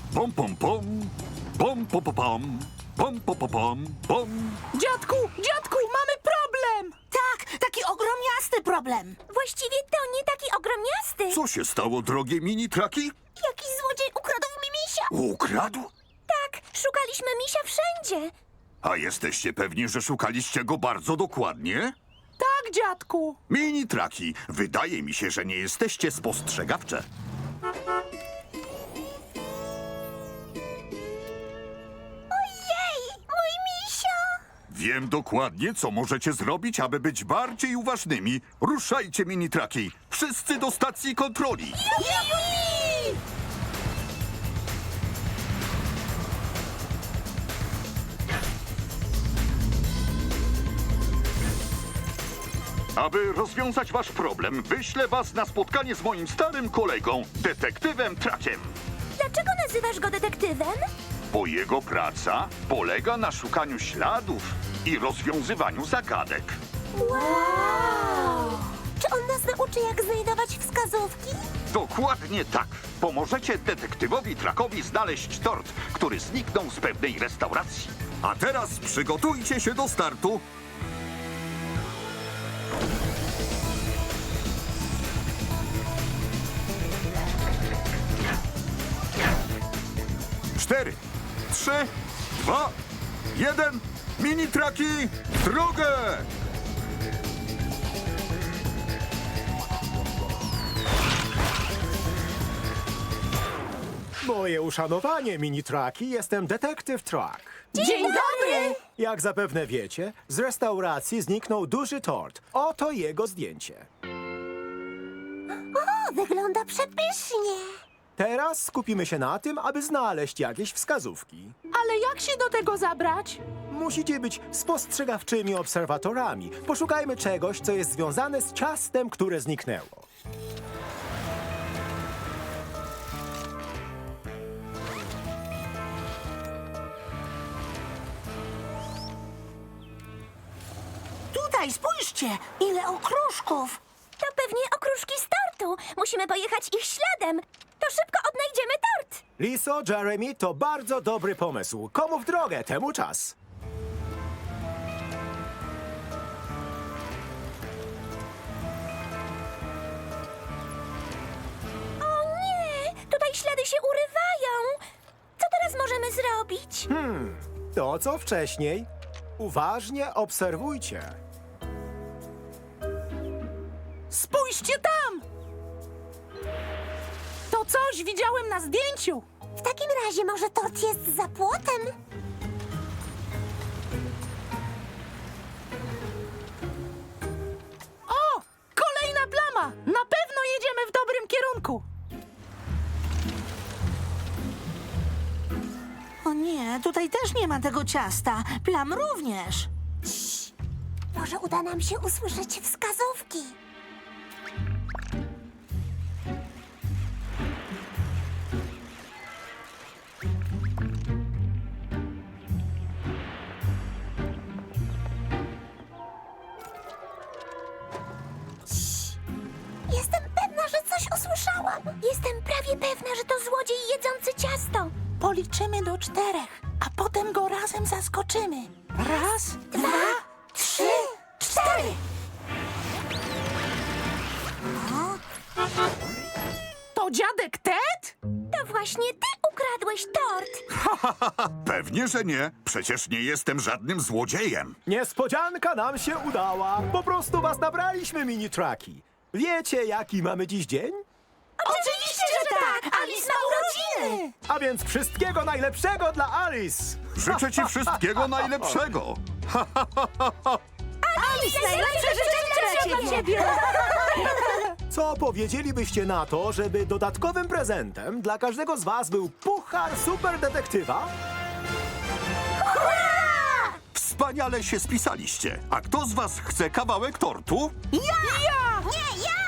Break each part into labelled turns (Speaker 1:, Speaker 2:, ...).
Speaker 1: Pom, pom, pom. Pom, pom, pom, pom. Pom, pom, pom, pom. Pom.
Speaker 2: Dziadku, mamy problem!
Speaker 3: Tak, taki ogromniasty problem.
Speaker 4: Właściwie to nie taki ogromniasty.
Speaker 1: Co się stało, drogie mini-traki?
Speaker 4: Jakiś złodziej ukradł mi misia.
Speaker 1: Ukradł?
Speaker 4: Tak, szukaliśmy misia wszędzie.
Speaker 1: A jesteście pewni, że szukaliście go bardzo dokładnie?
Speaker 2: Tak, dziadku.
Speaker 1: Mini-traki, wydaje mi się, że nie jesteście spostrzegawcze.
Speaker 4: Ojej, mój misio.
Speaker 1: Wiem dokładnie, co możecie zrobić, aby być bardziej uważnymi. Ruszajcie, mini-traki. Wszyscy do stacji kontroli. Aby rozwiązać wasz problem, wyślę was na spotkanie z moim starym kolegą, detektywem Trakiem.
Speaker 4: Dlaczego nazywasz go detektywem?
Speaker 1: Bo jego praca polega na szukaniu śladów i rozwiązywaniu zagadek.
Speaker 4: Wow! Czy on nas nauczy, jak znajdować wskazówki?
Speaker 1: Dokładnie tak. Pomożecie detektywowi Trakowi znaleźć tort, który zniknął z pewnej restauracji. A teraz przygotujcie się do startu. 4, 3, 2, 1. Mini-traki w drogę!
Speaker 5: Moje uszanowanie, mini-traki, jestem detektyw Truck.
Speaker 4: Dzień dobry!
Speaker 5: Jak zapewne wiecie, z restauracji zniknął duży tort. Oto jego zdjęcie.
Speaker 4: O, wygląda przepysznie.
Speaker 5: Teraz skupimy się na tym, aby znaleźć jakieś wskazówki.
Speaker 2: Ale jak się do tego zabrać?
Speaker 5: Musicie być spostrzegawczymi obserwatorami. Poszukajmy czegoś, co jest związane z ciastem, które zniknęło.
Speaker 3: Tutaj, spójrzcie, ile okruszków.
Speaker 4: To pewnie okruszki z tortu. Musimy pojechać ich śladem. To szybko odnajdziemy tort.
Speaker 5: Liso, Jeremy, to bardzo dobry pomysł. Komu w drogę, temu czas.
Speaker 4: O nie, tutaj ślady się urywają. Co teraz możemy zrobić?
Speaker 5: To, co wcześniej. Uważnie obserwujcie.
Speaker 2: Spójrzcie tam! To coś widziałem na zdjęciu.
Speaker 4: W takim razie może tort jest za płotem?
Speaker 2: O! Kolejna plama! Na pewno jedziemy w dobrym kierunku.
Speaker 3: O nie, tutaj też nie ma tego ciasta. Plam również.
Speaker 4: Może uda nam się usłyszeć wskazówki. Jestem pewna, że coś usłyszałam. Jestem prawie pewna, że to złodziej jedzący ciasto.
Speaker 3: Policzymy do 4, a potem go razem zaskoczymy. Raz, 2, 3, 4.
Speaker 2: To dziadek Ted?
Speaker 4: To właśnie ty ukradłeś tort.
Speaker 1: Pewnie, że nie. Przecież nie jestem żadnym złodziejem.
Speaker 5: Niespodzianka nam się udała. Po prostu was nabraliśmy, mini-traki. Wiecie, jaki mamy dziś dzień?
Speaker 4: Oczywiście, że tak! Alice ma urodziny!
Speaker 5: A więc wszystkiego najlepszego dla Alice!
Speaker 1: Życzę ci wszystkiego najlepszego.
Speaker 4: Alice, najlepsze życzenia dla ciebie!
Speaker 5: Co powiedzielibyście na to, żeby dodatkowym prezentem dla każdego z was był puchar super detektywa?
Speaker 1: Wspaniale się spisaliście. A kto z was chce kawałek tortu?
Speaker 4: Nie, ja!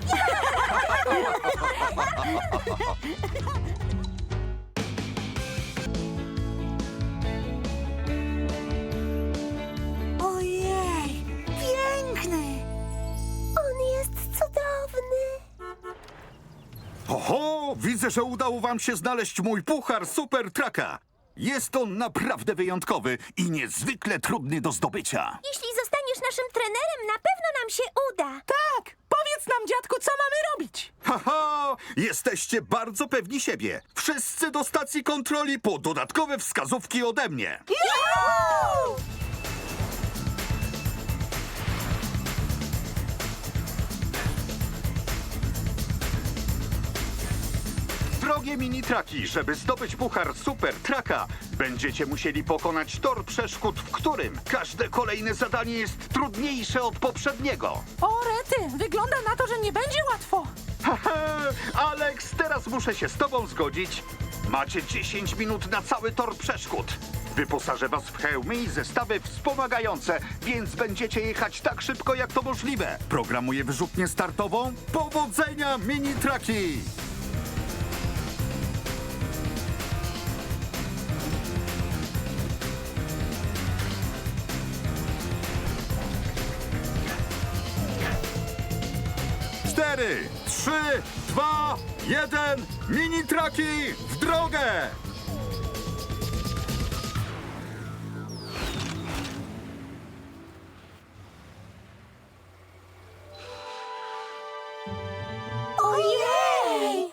Speaker 3: Ojej, piękny.
Speaker 4: On jest cudowny.
Speaker 1: Oho, widzę, że udało wam się znaleźć mój puchar Super Trucka. Jest on naprawdę wyjątkowy i niezwykle trudny do zdobycia.
Speaker 4: Jeśli zostaniesz naszym trenerem, na pewno nam się uda.
Speaker 2: Tak! Powiedz nam, dziadku, co mamy robić?
Speaker 1: Haha, jesteście bardzo pewni siebie. Wszyscy do stacji kontroli po dodatkowe wskazówki ode mnie.
Speaker 2: Juhu!
Speaker 1: Drogie mini-traki, żeby zdobyć puchar Super Trucka, będziecie musieli pokonać tor przeszkód, w którym każde kolejne zadanie jest trudniejsze od poprzedniego.
Speaker 2: O, rety, wygląda na to, że nie będzie łatwo.
Speaker 1: Haha, Alex, teraz muszę się z tobą zgodzić. Macie 10 minut na cały tor przeszkód. Wyposażę was w hełmy i zestawy wspomagające, więc będziecie jechać tak szybko, jak to możliwe. Programuję wyrzutnię startową. Powodzenia, mini-traki! Cztery, 3, 2, 1, mini-traki w drogę!
Speaker 3: Ojej!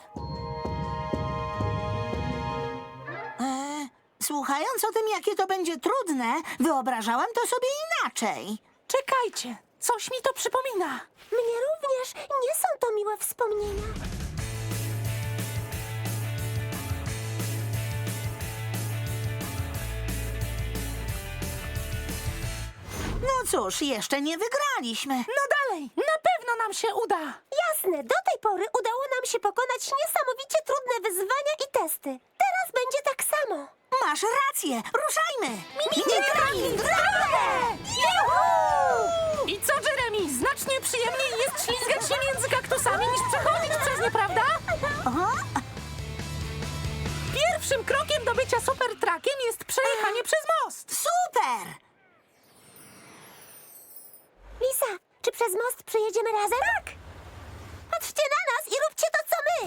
Speaker 3: Słuchając o tym, jakie to będzie trudne, wyobrażałam to sobie inaczej.
Speaker 2: Czekajcie, coś mi to przypomina.
Speaker 4: Mnie również nie są to miłe wspomnienia.
Speaker 3: No cóż, jeszcze nie wygraliśmy.
Speaker 2: No dalej, na pewno nam się uda.
Speaker 4: Jasne, do tej pory udało nam się pokonać niesamowicie trudne wyzwania i testy. Teraz będzie tak samo.
Speaker 3: Masz rację, ruszajmy!
Speaker 4: Mini-traki w drogę! Juhu!
Speaker 2: I co, Jeremy? Znacznie przyjemniej jest ślizgać się między kaktusami niż przechodzić przez nie, prawda?
Speaker 3: Aha.
Speaker 2: Pierwszym krokiem do bycia super truckiem jest przejechanie przez most.
Speaker 3: Super!
Speaker 4: Lisa, czy przez most przejedziemy razem? Tak! Patrzcie na nas i róbcie to, co my!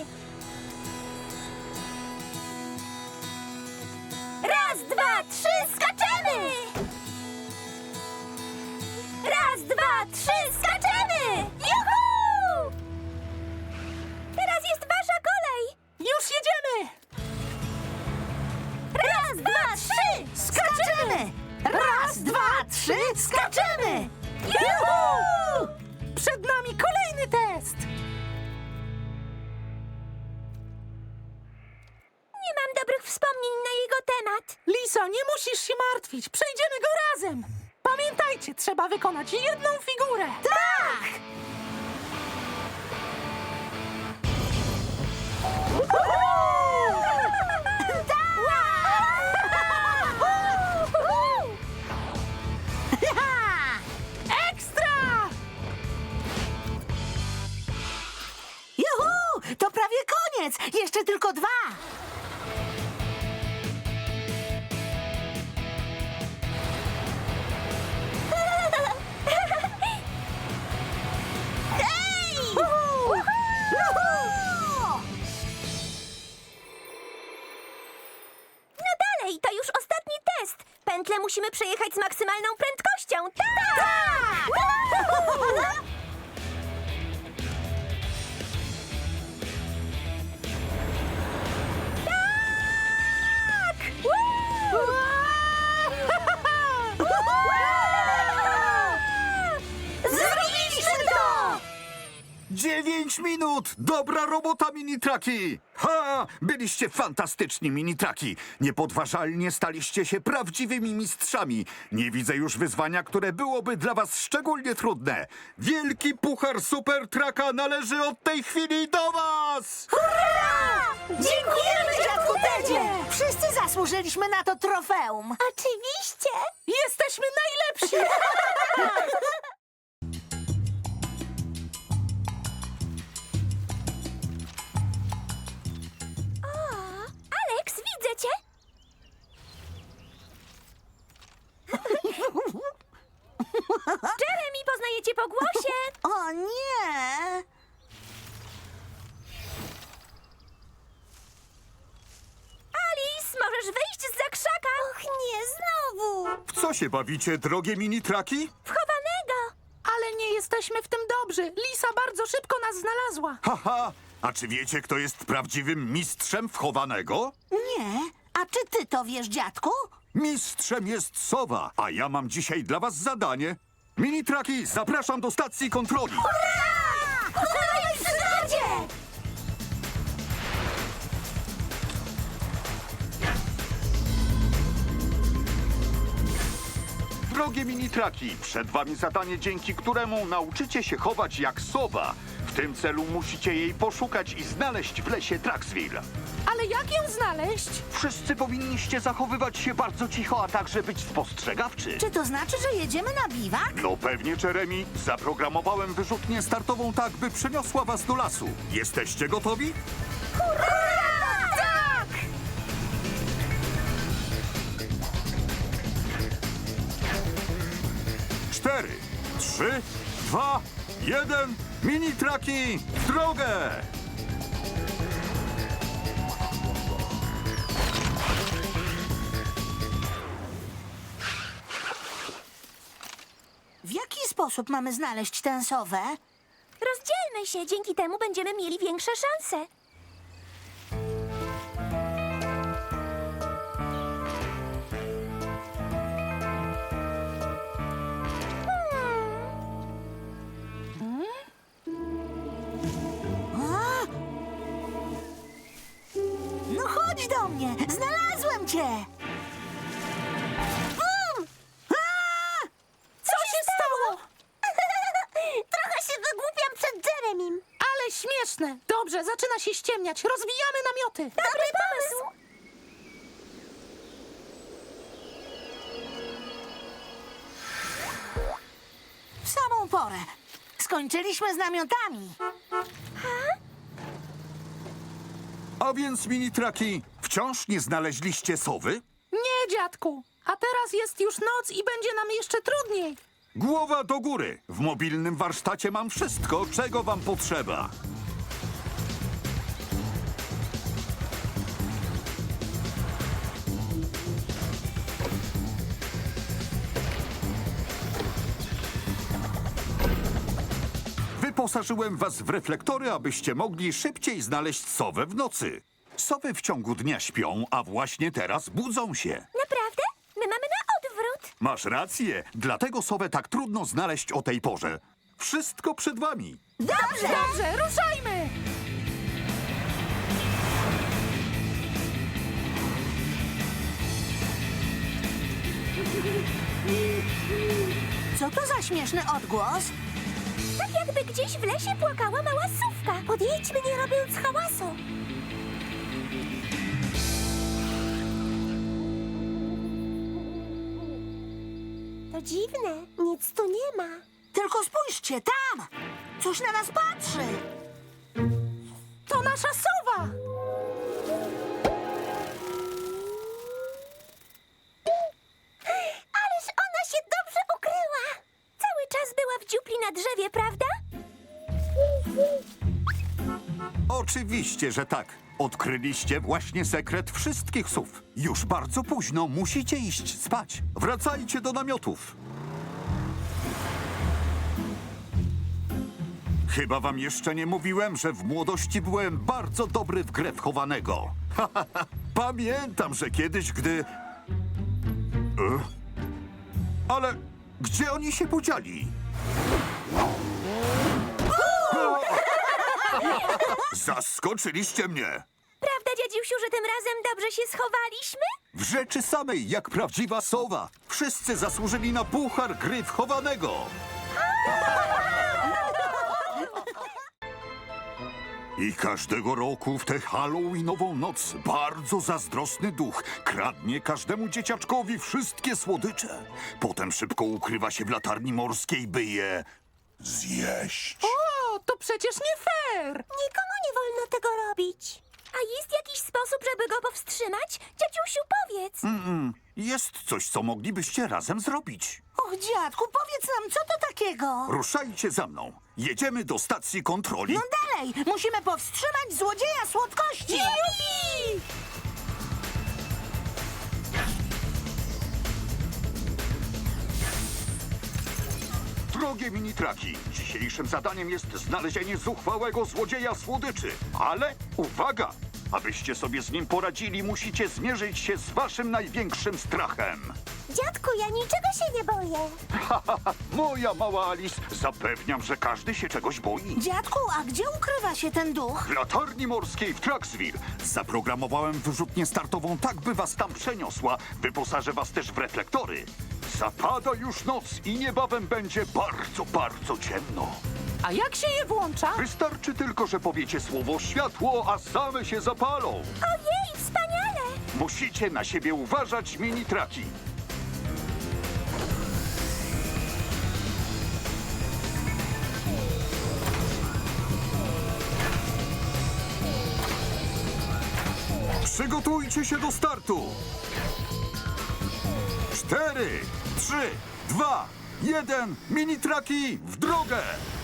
Speaker 4: Raz, dwa, trzy, skaczemy! Raz, dwa, trzy, skaczemy! Juhu! Teraz jest wasza kolej!
Speaker 2: Już jedziemy!
Speaker 4: Raz, dwa, trzy!
Speaker 3: Skaczemy! Raz, dwa, trzy, skaczemy!
Speaker 2: Juhu! Przed nami kolejny test!
Speaker 4: Nie mam dobrych wspomnień na jego temat.
Speaker 2: Liso, nie musisz się martwić. Przejdziemy go razem. Pamiętajcie, trzeba wykonać jedną figurę.
Speaker 3: Tak!
Speaker 2: Ekstra!
Speaker 3: Juhu! To prawie koniec! Jeszcze tylko dwa!
Speaker 4: Hej! No dalej, to już ostatni test. Pętlę musimy przejechać z maksymalną prędkością. Tak! Tak! Zrobiliśmy to!
Speaker 1: 9 minut! Dobra robota, mini-traki! Ha! Byliście fantastyczni, mini-traki! Niepodważalnie staliście się prawdziwymi mistrzami. Nie widzę już wyzwania, które byłoby dla was szczególnie trudne. Wielki puchar Super Trucka należy od tej chwili do was!
Speaker 3: Dziękujemy, dziadku Tedzie! Wszyscy zasłużyliśmy na to trofeum.
Speaker 4: Oczywiście!
Speaker 2: Jesteśmy najlepsi!
Speaker 4: Alex, widzę cię! Jeremy, poznaję cię po głosie!
Speaker 3: O nie!
Speaker 1: się bawicie, drogie mini-traki?
Speaker 4: Wchowanego!
Speaker 2: Ale nie jesteśmy w tym dobrzy. Lisa bardzo szybko nas znalazła.
Speaker 1: Haha! A czy wiecie, kto jest prawdziwym mistrzem wchowanego?
Speaker 3: Nie. A czy ty to wiesz, dziadku?
Speaker 1: Mistrzem jest sowa, a ja mam dzisiaj dla was zadanie. Mini-traki, zapraszam do stacji kontroli.
Speaker 4: Hurra, przygodzie!
Speaker 1: Drogie mini-traki, przed wami zadanie, dzięki któremu nauczycie się chować jak sowa. W tym celu musicie jej poszukać i znaleźć w lesie Traxville.
Speaker 2: Ale jak ją znaleźć?
Speaker 1: Wszyscy powinniście zachowywać się bardzo cicho, a także być spostrzegawczy.
Speaker 3: Czy to znaczy, że jedziemy na biwak?
Speaker 1: No pewnie, Jeremy. Zaprogramowałem wyrzutnię startową tak, by przeniosła was do lasu. Jesteście gotowi?
Speaker 4: Tak!
Speaker 1: 4, 3, 2, 1. Mini-traki, w drogę!
Speaker 3: W jaki sposób mamy znaleźć tę sowę?
Speaker 4: Rozdzielmy się, dzięki temu będziemy mieli większe szanse.
Speaker 3: No chodź do mnie! Znalazłem cię! Bum! A!
Speaker 2: Co się stało?
Speaker 4: Trochę się wygłupiam przed Jeremim.
Speaker 2: Ale śmieszne. Dobrze, zaczyna się ściemniać. Rozwijamy namioty.
Speaker 4: Dobry pomysł!
Speaker 3: W samą porę. Skończyliśmy z namiotami.
Speaker 1: A więc, mini-traki, wciąż nie znaleźliście sowy?
Speaker 2: Nie, dziadku. A teraz jest już noc i będzie nam jeszcze trudniej.
Speaker 1: Głowa do góry. W mobilnym warsztacie mam wszystko, czego wam potrzeba. Wyposażyłem was w reflektory, abyście mogli szybciej znaleźć sowę w nocy. Sowy w ciągu dnia śpią, a właśnie teraz budzą się.
Speaker 4: Naprawdę? My mamy na odwrót.
Speaker 1: Masz rację, dlatego sowę tak trudno znaleźć o tej porze. Wszystko przed wami.
Speaker 2: Dobrze, ruszajmy.
Speaker 3: Co to za śmieszny odgłos?
Speaker 4: Tak jakby gdzieś w lesie płakała mała sówka. Podjedźmy, nie robiąc hałasu. To dziwne, nic tu nie ma.
Speaker 3: Tylko spójrzcie, tam! Coś na nas patrzy!
Speaker 2: To nasza sowa.
Speaker 4: Ależ ona się dobrze ukryła. Cały czas była w dziupli na drzewie, prawda?
Speaker 1: Oczywiście, że tak. Odkryliście właśnie sekret wszystkich sów. Już bardzo późno, musicie iść spać. Wracajcie do namiotów. Chyba wam jeszcze nie mówiłem, że w młodości byłem bardzo dobry w grę wchowanego. Pamiętam, że kiedyś, gdy... Ale gdzie oni się podzieli? Zaskoczyliście mnie!
Speaker 4: Prawda, dziadziusiu, że tym razem dobrze się schowaliśmy?
Speaker 1: W rzeczy samej, jak prawdziwa sowa. Wszyscy zasłużyli na puchar gry wchowanego. I każdego roku w tę halloweenową noc bardzo zazdrosny duch kradnie każdemu dzieciaczkowi wszystkie słodycze. Potem szybko ukrywa się w latarni morskiej, by je zjeść.
Speaker 2: O, to przecież nie fair.
Speaker 4: Nikomu nie wolno tego robić. A jest jakiś sposób, żeby go powstrzymać? Dziadziusiu, powiedz.
Speaker 1: Jest coś, co moglibyście razem zrobić.
Speaker 3: Och, dziadku, powiedz nam, co to takiego?
Speaker 1: Ruszajcie za mną. Jedziemy do stacji kontroli.
Speaker 3: No dalej! Musimy powstrzymać złodzieja słodkości!
Speaker 4: Jupi!
Speaker 1: drogie mini-traki. Dzisiejszym zadaniem jest znalezienie zuchwałego złodzieja słodyczy. Ale uwaga! Abyście sobie z nim poradzili, musicie zmierzyć się z waszym największym strachem.
Speaker 4: Dziadku, ja niczego się nie boję.
Speaker 1: Moja mała Alice, zapewniam, że każdy się czegoś boi.
Speaker 3: Dziadku, a gdzie ukrywa się ten duch?
Speaker 1: W latarni morskiej w Traxville zaprogramowałem wyrzutnię startową tak, by was tam przeniosła. Wyposażę was też w reflektory. Zapada już noc i niebawem będzie bardzo, bardzo ciemno.
Speaker 2: A jak się je włącza?
Speaker 1: Wystarczy tylko, że powiecie słowo światło, a same się zapalą.
Speaker 4: Ojej, wspaniale!
Speaker 1: Musicie na siebie uważać, mini-traki. Przygotujcie się do startu. 4, 3, 2, 1. Mini-traki w drogę!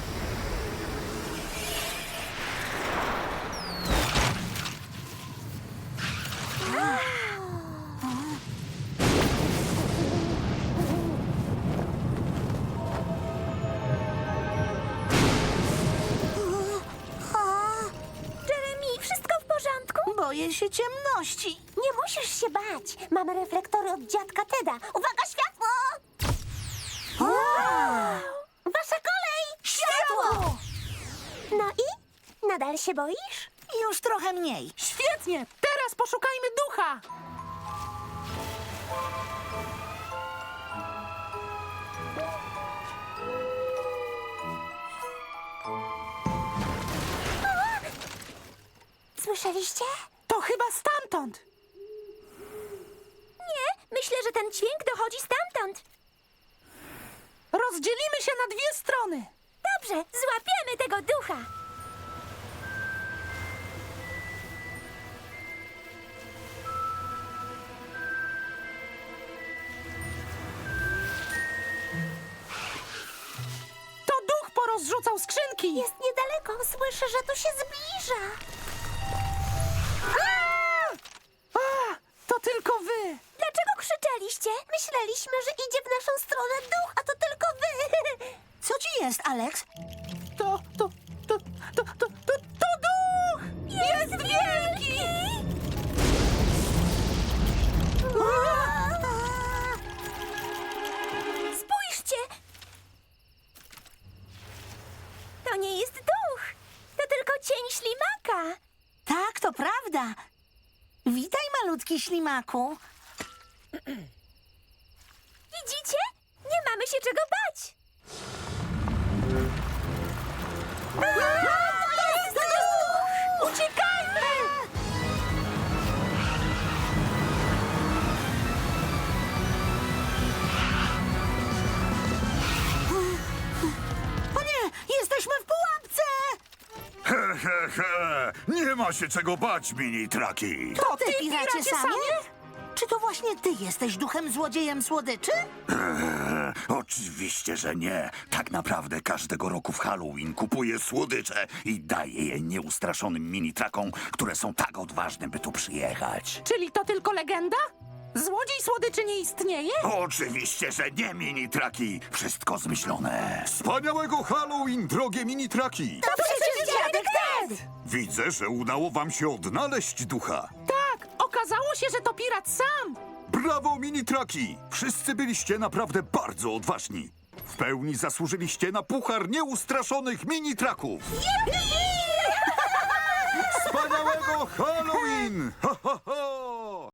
Speaker 4: Jeremy, wszystko w porządku?
Speaker 3: Boję się ciemności.
Speaker 4: Nie musisz się bać. Mamy reflektory od dziadka Teda. Uwaga, światło! Wasza kolej!
Speaker 3: Światło!
Speaker 4: No i? Nadal się boisz?
Speaker 3: Już trochę mniej.
Speaker 2: Świetnie! Teraz poszukajmy ducha!
Speaker 4: Słyszeliście?
Speaker 2: To chyba stamtąd!
Speaker 4: Nie, myślę, że ten dźwięk dochodzi stamtąd.
Speaker 2: Rozdzielimy się na dwie strony!
Speaker 4: Dobrze, złapiemy tego ducha.
Speaker 2: To duch porozrzucał skrzynki!
Speaker 4: Jest niedaleko, słyszę, że tu się zbliża.
Speaker 2: A, to tylko wy!
Speaker 4: Dlaczego krzyczeliście? Myśleliśmy, że idzie w naszą stronę duch, a to tylko wy.
Speaker 3: Co ci jest, Alex?
Speaker 2: To duch! Jest wielki!
Speaker 4: Spójrzcie! To nie jest duch. To tylko cień ślimaka.
Speaker 3: Tak, to prawda. Witaj, malutki ślimaku.
Speaker 4: Widzicie? Nie mamy się czego bać. To jest duch! Uciekajmy!
Speaker 3: O nie, jesteśmy w pułapce!
Speaker 1: He, he, he. Nie ma się czego bać, mini-traki.
Speaker 3: To ty,
Speaker 2: piracie
Speaker 3: piracie
Speaker 2: samie?
Speaker 3: samie? Czy to właśnie ty jesteś duchem złodziejem słodyczy?
Speaker 1: Oczywiście, że nie. Tak naprawdę każdego roku w Halloween kupuję słodycze i daję je nieustraszonym mini-trakom, które są tak odważne, by tu przyjechać.
Speaker 2: Czyli to tylko legenda? Złodziej słodyczy nie istnieje?
Speaker 1: Oczywiście, że nie, mini-traki. Wszystko zmyślone. Wspaniałego Halloween, drogie mini-traki.
Speaker 3: To przecież dziadek Ted!
Speaker 1: Widzę, że udało wam się odnaleźć ducha.
Speaker 2: Tak, okazało się, że to pirat sam!
Speaker 1: Brawo, mini-traki! Wszyscy byliście naprawdę bardzo odważni. W pełni zasłużyliście na puchar nieustraszonych mini-traków.
Speaker 4: Jupi!